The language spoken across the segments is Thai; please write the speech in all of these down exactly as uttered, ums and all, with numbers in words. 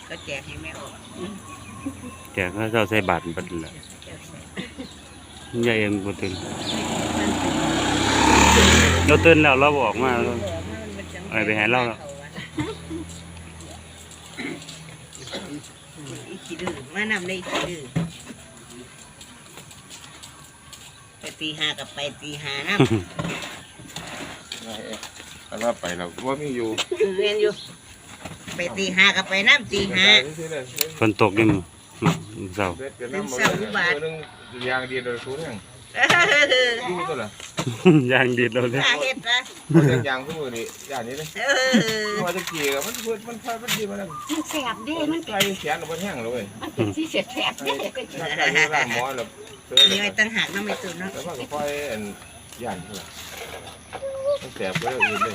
ก็แจกให้แม่ออกแจกเขาเจ้าใส่บาตรบัดละยายเอ็มบ่ตื่นเราตื่นแล้วเราบอกมาไอ้ไปหาเราแล้วอีขี้ดื้อมานำได้อีขี้ดื้อไปตีห้ากับไปตีห้านะอันว่าไปเราว่ามีอยู่เรียนอยู่ไปตีห้ากับไปน้ำตีห้าฝนตกยังเศร้าเป็นเศร้าอุบาทยางดีโดยทุนยังดูตัวละยางดีเราเลยเห็ดนะยางขึ้นมือนี่อย่างนี้เลยว่าจะกี่กับมันเพื่อนมันไฟมันดีมันมันแสบดิมันไฟแขนมันแห้งเลยมันเป็นที่เสียแสบดิถ้าใครอยู่ร้านหมอแล้วนี่ไอ้ตั้งหักน้ำไม่ตื่นเนาะแล้วก็ค่อยย่านเท่าไหร่มันแสบไปเลยเลย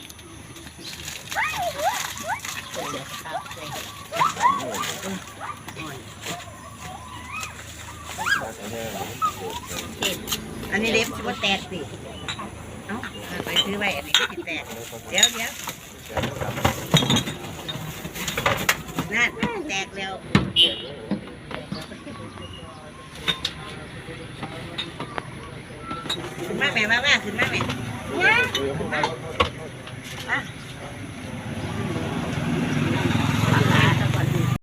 อันนี้เล็บว่าแตกสิเอ้าไปซื้อไว้อันนี้ก็ติดแตกเดี๋ยวเดี๋ยวนั่นแตกแล้วขึ้นมาแม่มามาขึ้นมาแม่มา